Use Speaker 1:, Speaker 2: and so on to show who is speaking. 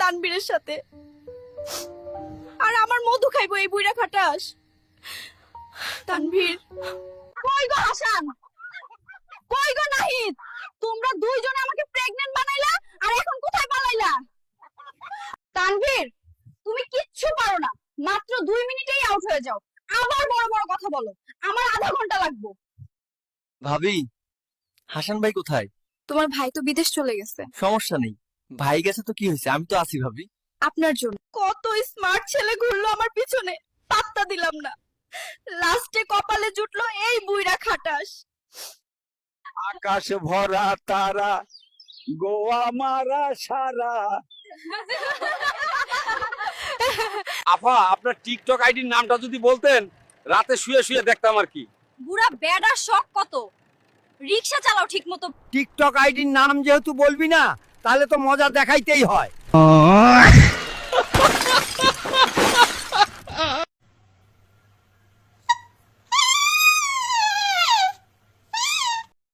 Speaker 1: তানবীরের সাথে, আর আমার মধু খাইবো এই বুইড়া খাটাস। তানভীর, কই গো হাসান, কই গো নাহিদ, তোমরা দুইজনে আমাকে প্রেগন্যান্ট বানাইলা আর এখন কোথায় পালাইলা? তানভীর, তুমি কিচ্ছু পারো না, মাত্র 2 মিনিটেই আউট হয়ে যাও। আবার বড় বড় কথা বলো, আমার আধা ঘন্টা লাগবে।
Speaker 2: ভাবি, হাসান ভাই কোথায়?
Speaker 1: তোমার ভাই তো বিদেশ চলে গেছে।
Speaker 2: সমস্যা নেই, ভাই গেছে তো কি হয়েছে, আমি তো আছি ভাবি।
Speaker 1: আপনার জন্য কত স্মার্ট ছেলে ঘুরলো আমার পিছনে, পাত্তা দিলাম না। লাস্টে কপালে জুটলো এই বুইড়া খাটাস।
Speaker 3: আকাশ ভরা তারা, গোয়া মারা সারা। আফা, আপনার টিকটক আইডির নামটা যদি বলতেন, রাতে শুয়ে শুয়ে দেখতাম আর কি।
Speaker 1: বুড়া বেডার শখ কত, রিকশা চালাও ঠিক মতো।
Speaker 3: টিকটক আইডির নাম যেহেতু বলবি না, তাহলে তো মজা দেখাইতেই হয়।